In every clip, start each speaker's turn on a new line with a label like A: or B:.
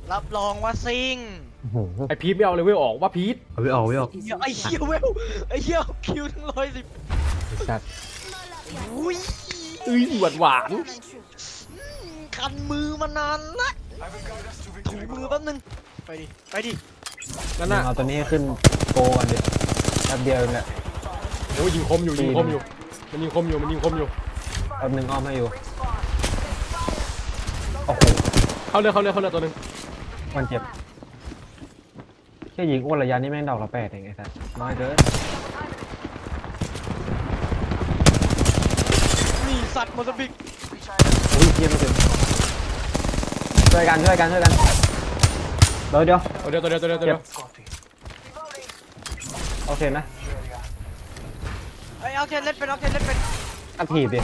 A: รับรองว่าซิง
B: ไอพีทไม่เอาเลยเว้ยออกว่าพีท
C: เอาไม่ออกไม่ออก
A: ไอ้เหี้ยเวลไอ้เหี้ยคิวทั้ง110
C: สัตว์
A: อุ้ย
B: หวาน
A: คันมือมานานละถูมือแป๊บนึงไปดิไปดิ
B: นั่นน่ะ
C: เอาตัวนี้ให้ขึ้นโกกันดิแป๊บเดียวเนี่ย
B: โอ้ยยิงคมอยู่ยิงคมอยู่มันยิงคมอยู่มันยิงคมอยู่
C: แป๊บนึงอ้อมให้อยู่โอ้โห
B: เข้าเรือตัวหนึง
C: มันเจ็บแค่ยิงอ้วนระยะนี้แม่งดอกละ8เองไอ้สัตว์น้อยเกิน
A: นี่สัตว์โมซัมบิก
C: อุ้ยเยี่ยมไม่ถึงช่วยกันเดี๋ยว
B: ตัวเดียว
C: โอเคนะ
A: ไอ้เอาเทนเล่นเป็นเอาเทนเล่นเป็น
C: อัดถีบดิ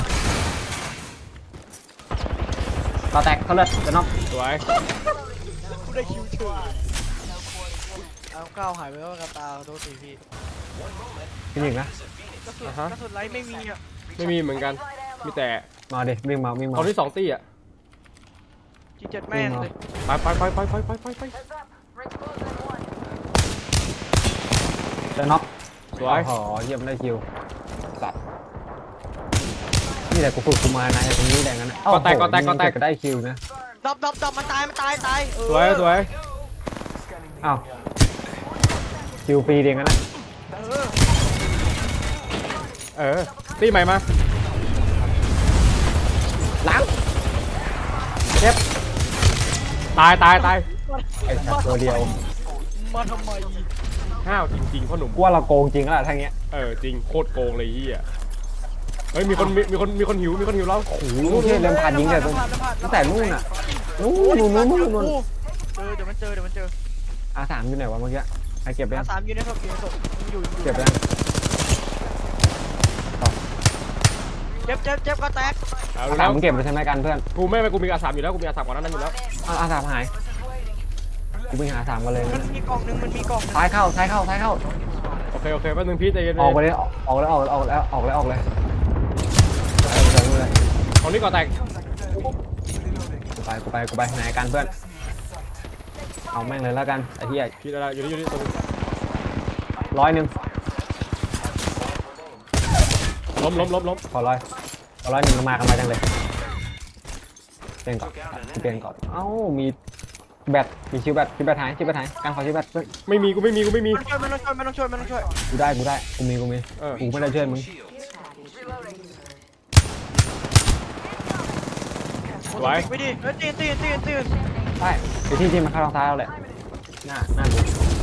C: ต่อแตกเขาเลยจะน็อก
B: สวย
A: กูได้คิวเฉยเอาก้าวหายไปแล้วกับตาโดนตีพี่
C: พี่หญิงนะ
A: กระสุนไลท์ไม่มีอ่ะ
B: ไม่มีเหมือนกันมีแต่
C: มาดิวิ่งมา
B: ตอนที่2 ตี้อ่ะ
A: G7แม่งเลย
B: ไป
C: จะน็อก
B: สวย
C: โอ้โหเยี่ยมได้คิวสัตว์นี่แหละกูฝึกกูมานะตรงนี้แดงกันนะก็ได้คิวนะ
A: ดับมันตาย
B: สวย
C: อ้าวคิวฟรีเองกันนะ
B: ตี้ใหม่มา
C: ล้าง
B: เจ็บตาย
C: ไอ้สัตว์ตัวเดียว
A: มาทำไม
B: ห้าวจริงๆพ่อหนุ่ม
C: กูว่าเราโกงจริงแล้วทั้งเงี้ย
B: จริงโคตรโกงเลยเฮียเฮ้ยมีคนหิวแล้ว
C: โอ้โหเที่ยเริ่มผ่านยิงแต่ตั้งแต่นู่นอ่ะนู่น
A: เดี๋ยวมันเจอ
C: R3อยู่ไหนวะเมื่อกี้ใครเก็บไปยัง
A: 3อยู่ในศพอยู่
C: เก็บไปยัง
A: เจ็บก็แตก
B: เอา
C: R3
B: แล้ว
C: มึงเก็บไปใช่ไหมกันเพื่อน
B: กูมีอาสามอยู่แล้วกูมีอาสามก่อนนั้นอยู่แล้ว
C: R3หายกูไปหาR3กันเลย
A: มันมีกล่องนึง
C: ท้ายเข้า
B: โอเคแป๊บนึงพี่ใจเย็น
C: ออกไปเลยออกเลย
B: ของนี้ก่อนแตก
C: กูไปไหนกันเพื่อนเอาแม่งเลยแล้วกันไอ้ที่
B: พี่อะไรอยู่นี่ตรง
C: 100
B: ล้ม
C: ขอ100มากันมาจังเลยเปลี่ยนก่อนเอ้ามีแบตมีชิวแบตหายการขอชิวแบต
B: ไม่มีกูไม่มี
A: ไม่ต้องช่วย
C: กูได้กูมีกูไม่ได้ช่วยมึง
A: ไปดิตีน
C: ได้ไอ้ที่มันเข้าทางซ้ายเราแหละหน้าดู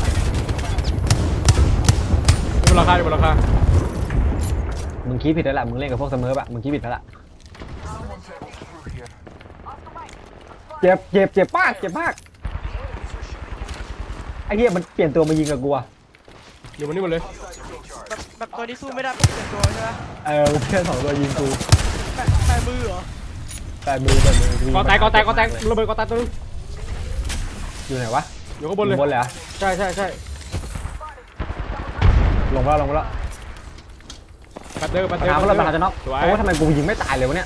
B: อยู่บนราคา
C: มึงคิดผิดแล้วล่ะมึงเล่นกับพวกเสมอปะมึงคิดผิดแล้วล่ะเจ็บมากไอ้เหี้ยมันเปลี่ยนตัวมายิงกับกูอะ
B: อยู่บนนี้หมดเลย
A: แบบตัวนี้สู้ไม่ได้ปุ๊บเปลี่ยนตัวใช่ไหม
C: มันเพื่อน2ตัวยิงกู
A: แปะมือเหรอ
C: แต่มือ
B: ก่อแตกระเบิดก่อแตกตัวนึง
C: อยู่ไหนวะ
B: อยู่ข้างบนเลย
C: บนเลยเหรอ
B: ใช่
C: ลงแล้ว
B: ปัดเดอร์
C: ปัญหาจะน็อกโอ้ทำไมกูยิงไม่ตายเลยวะเนี่ย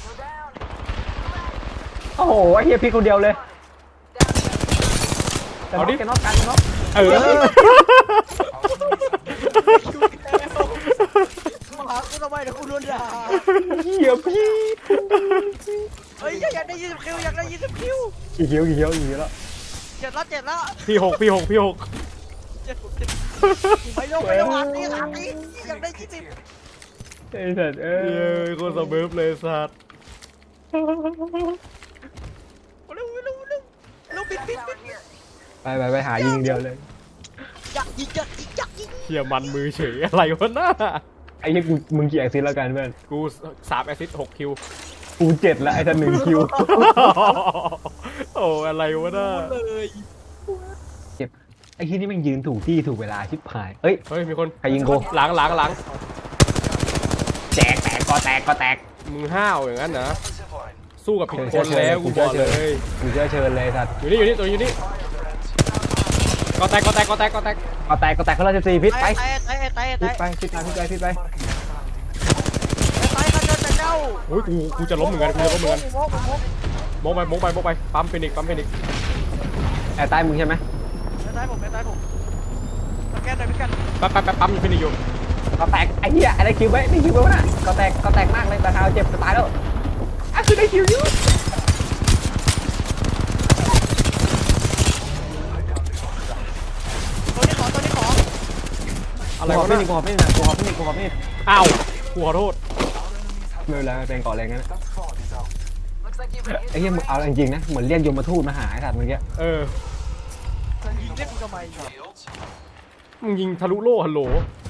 C: โอ้โหไอ้เหี้ยพี่คนเดียวเลยจะน็อกกันน็อก
A: มาหากูทำไมเดี๋ยวกูโดนด่า
C: เหี้ยพี่
A: เฮ้ยอยากได้20 คิวอยากได้20 คิว
C: กี่คิวแล้ว
A: เจ็ดแล้ว
B: พี่หก
A: เจ็ดไปลงอันนี้3นี้อยากได้20
C: ไอ้สัตว์
B: โคตรสเบิร์ฟเลยสัตว์
A: เร็วปิด
C: ไปหายิงเดียวเลย
A: อยากยิง
B: เฮียมันมือเฉยอะไรวะน่า
C: ไอ้เหี้ยมึงกี่แอซิสแล้วกันเพื่อน
B: กู3 แอสซิสต์ 6 คิว
C: กู7แล้วไอ้ท่าน1คิว
B: โอ้อะไรวะน่า
A: เลย
C: เจ็บไอ้ที่นี่มันยืนถูกที่ถูกเวลาชิบหายเฮ้ย
B: มีคน
C: ใครยิงกู
B: หลัง
C: แตกก็แตก
B: มึงห้าวอย่างนั้นนะสู้กับผิดคนแล้วกูบอกเลย
C: กูเชิญเลยสัตว์
B: อยู่นี่ตัวอยู่นี่ก็แตก
C: เขาเลย14พิษไป
A: ตาย
C: พิษไป
A: ตายกันแต่เจ้า
B: โอ้ยกูจะล้มเหมือนกันมองไปปั๊มเฟนิก
C: แอร์ใต้มึงใช่ไหม
A: แอร์ใต้ผมสแกนหน่อยพี่กัน
B: แป๊บปั๊มฟินิชอยู่
C: ก็แตกไอ้เหี้ยอะไรคิวไว้ได้คิวไว้วะน่ะก็แตกมากเลยแต่เท้าเจ็บจะตายแล้วอ่ะคือได้คิวอยู่
A: ตัวนี้ขอ
B: อะไร
C: กู
B: วะ
C: ไม่
B: น่ะ
C: นี่กูไม่นี่นะกูไม่นี่
B: อ้าวกูขอโทษ
C: ไม่เป็นไรไม่เป็นก่อนอะไรงั้นไอ้เหี้ยมึงเอาจริงๆนะเหมือนเรียกยมทูตมาหาไอ้สัตว์เมื่อกี้
B: เออ
A: ยิงเล่นกูทำไม
B: มึงยิงทะลุโล่ฮัลโหล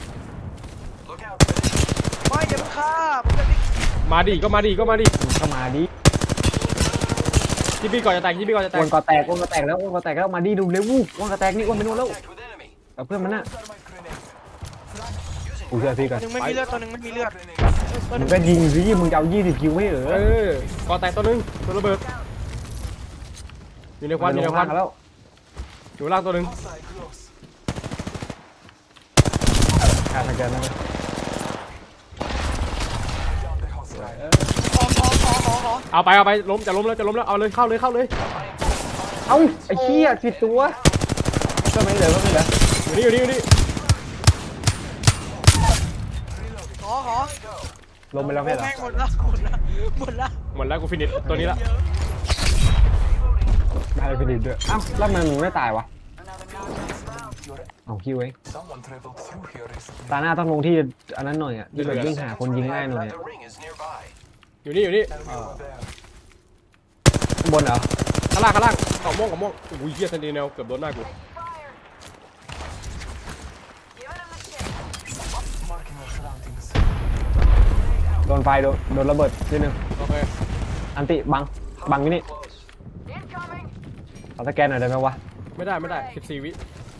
A: ไม่อย่าเพิ่งฆ่าผมจะบิ๊ก
B: มาดิก็มาดิ
C: มึงก็มาดิ
B: ที่พี่ก่อนจะแตกที่พี่ก่อนจะแต
C: ว
B: ก
C: นก็แตกแล้วมาดิดูเร็ววนก็แตกนี่วนไปนู่นแล้วกับเพื่อนมันน่ะกูเชื่อพี่ก่อน
A: ตัวหนึ่งไม่มีเลือดตัวหนึ่งไม่มีเลือดตัวห
C: มึ
A: นึ่
C: ง
A: ง
C: ก็ยิงสิมึงจะเอา20 คิวไม่เหรอ
B: เออก่อนแตกตัวนึงตัวระเบิดอยู่ในควันอยู่ในควัน
C: แล้ว
B: อยู่ล่างตัวนึง
C: ขาดสแกนนะ
A: ขอ
B: เอาไปล้มจะล้มแล้วเอาเลยเข้าเลย
C: เอ้าไอ้เหี้ยผิดตัวก็ไม่เหลือ
B: อยู่นี่
A: ขอ
C: ลงไปแล้วไม่เหรอ
A: แม่งหมดละหมดละ
B: หมดแล้วกูฟินิชตัวนี้ละ
C: ไม่ได้ฟินิชด้วยอ้าวแล้วมันไม่ตายวะเอาคิวเองตาหน้าต้องลงที่อันนั้นหน่อยอ่ะที่แบบวิ่งหาคนยิงง่ายหน่อยอะ
B: อยู่นี่
C: ข้างบนเหรอ
B: ข้างล่างกล่องม่วงอุ้ยเหี้ยซันดีแนลเกือบโดนหน้ากู
C: โดนไฟโดนระเบิดนิดนึง
B: โอเค
C: อันติบังอยู่นี่เอาสแกนหน่อยได้ไหมวะ
B: ไม่ได้14 วิ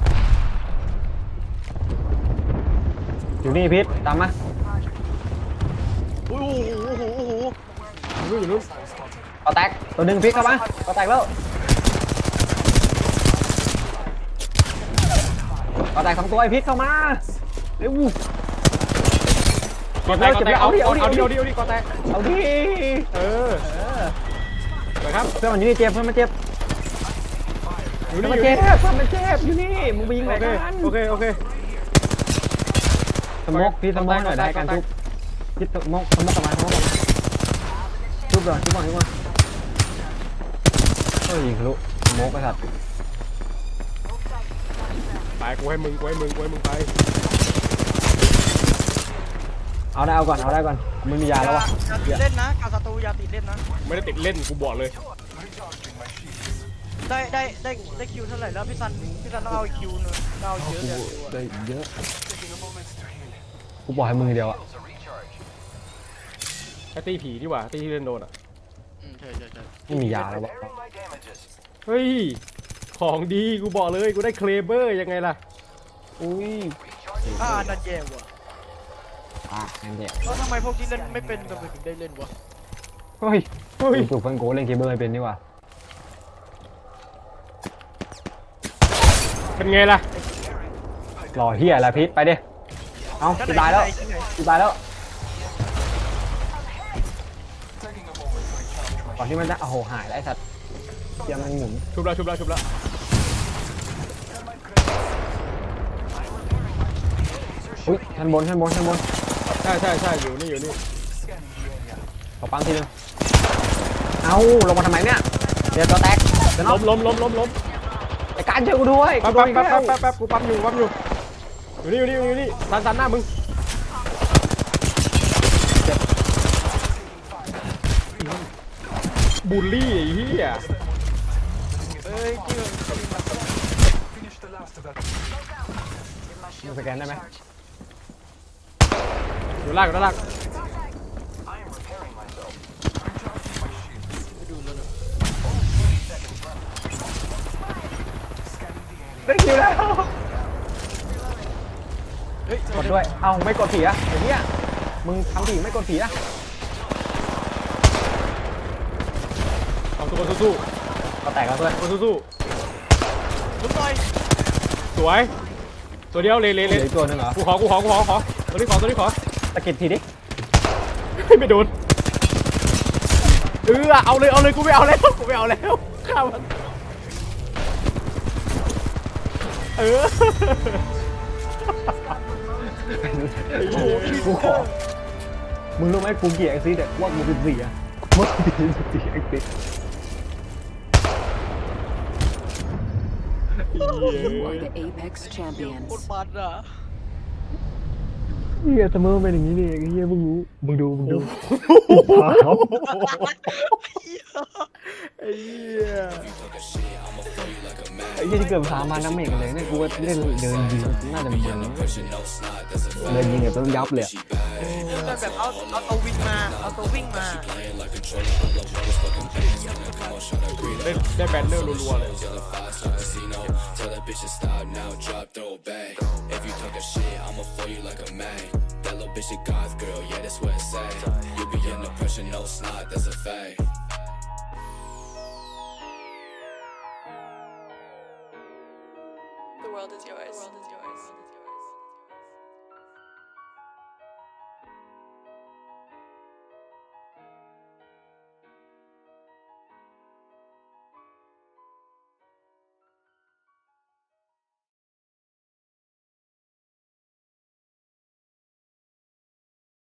C: อยู่นี่พิษตามมา
A: โอ้โห
B: อยู่นู้น
C: ก็แตกตัวหนึ่งพิษเข้ามาก็แตกแล้วก็แตก2 ตัวไอ้พิษเข้ามาเร็ว
B: ก่อนแตกเอาดิก่อนแตก
C: เอาดิ
B: เออไปครับ
C: เพื่อนมันอยู่นี่เจ็บเพื่อนมันเจ็บ
B: อยู่
C: เพื่อน
B: นี่
C: มัน
B: อยู่
C: เจ็
B: นี่
C: บเพื่อนมันเจ็บอยู่นี่มึงไปยิงไหนกัน
B: โอเค
C: สมกพี่สมกหน่อยได้กันทุบพี่สมกกลับมาทุบก่อนเฮ้ยยิงทะลุสมกไปสัตว์
B: ไปกูให้มึงไป
C: เอาได้ก่อนมึงมียาแล้ววะ
A: อย่าติดเล่นนะกับศัตรูอย่าติดเล่นนะ
B: ไม่ได้ติดเล่นกูบอกเลย
A: ได้คิวเท่าไหร่แล้วพี่ซันต้องเอาอีกคิวนึงเอาเยอะเลย
C: ได้เยอะกูบอกให้มึงเดียวอะ
B: ไอ้ตีผีดีกว่าตีที่เล่นโดนอ่ะ
A: ใช่
C: ไม่มียาแล้ววะ
B: เฮ้ยของดีกูบอกเลยกูได้เคลเบอร์ยังไงล่ะ
C: อุ้ย
A: นั่นแย่ว่ะ
C: งั้นเดี๋ยว
A: แล้วทำไมพวกที่เล่นไม่เป็นทำไมถึงได้เล่นวะ
C: เฮ้ยถูกฟันโกเล่นเกมเบอร์เป็นนี่วะ
B: เป็นไงล่ะ
C: รอเฮียอะไรพิษไปดิเอาจะตายแล้วก่อนที่มันจะโอ้โหหายแล้วไอ้สัตว์เกียร์มันหมุน
B: ชุบแล้ว
C: อุ้ยชั้นบน
B: ใช่อยู่นี่
C: ขอปังทีนึงเอาลงมาทำไมเนี่ยเดี๋ยวตัวแตกเดี๋ยวน็อก
B: ล้ม
C: ไอ้การเจอกูด้วย
B: แป๊บกูปั๊มอยู่อยู่นี่สันหน้ามึงบูลลี่ไอ้เหี้ย
A: เฮ้ยที่
C: มึงสแกนได้ไหม
B: อยู่ล่าง
C: ได้คิวแล้ว
A: เฮ้ย
C: กดด้วยเอาไม่กดผีอะไอ้เหี้ยมึงทำผีไม่กดผีอะ
B: เอาตัวสู้
C: ก็แตกแล้วเพื่อน
B: สู้
A: ลุกหน่อย
B: สวยตัวเดียวเลย
C: เหลืออีกตัวหนึงเหรอ
B: กูขอตัวนี้ขอ
C: ตะกิดทีดิ
B: ไม่โดนเอาเลยกูไม่เอาแล้วข้ามันเออ
C: โอ้โหกูขอมึงรู้ไหมกูเกลียดไอ้ซีเนี่ยว่ากูเป็นเสียว่ากูเป็นเสียไอ้ซี
D: You are the Apex
A: โค
D: champions.
A: ตรมันอ่ะ
C: เฮียเสมอเป็นอย่างนี้นี่เองเฮียมึงรู้มึงดูขาว
B: ไอ้เหี้ย
C: ไอ้เฮียที่เกิดสามาน้ำเมกเลยเนี่ยกูว่าเล่นเดินยิงน่าจะเป็นเดินยิงแบบต้องยับเลย
A: แบบเอาตัววิ่งมาเอาตัววิ่งมา
B: ได้แบนเนอร์รัวๆเลย
E: Tell that bitch to stop now, drop, throw it back. If you talking shit, I'ma fool you like a man. That little bitch a goth girl, yeah, that's what it's at. You be under pressure, no snot, that's a fact.
F: The world is yours.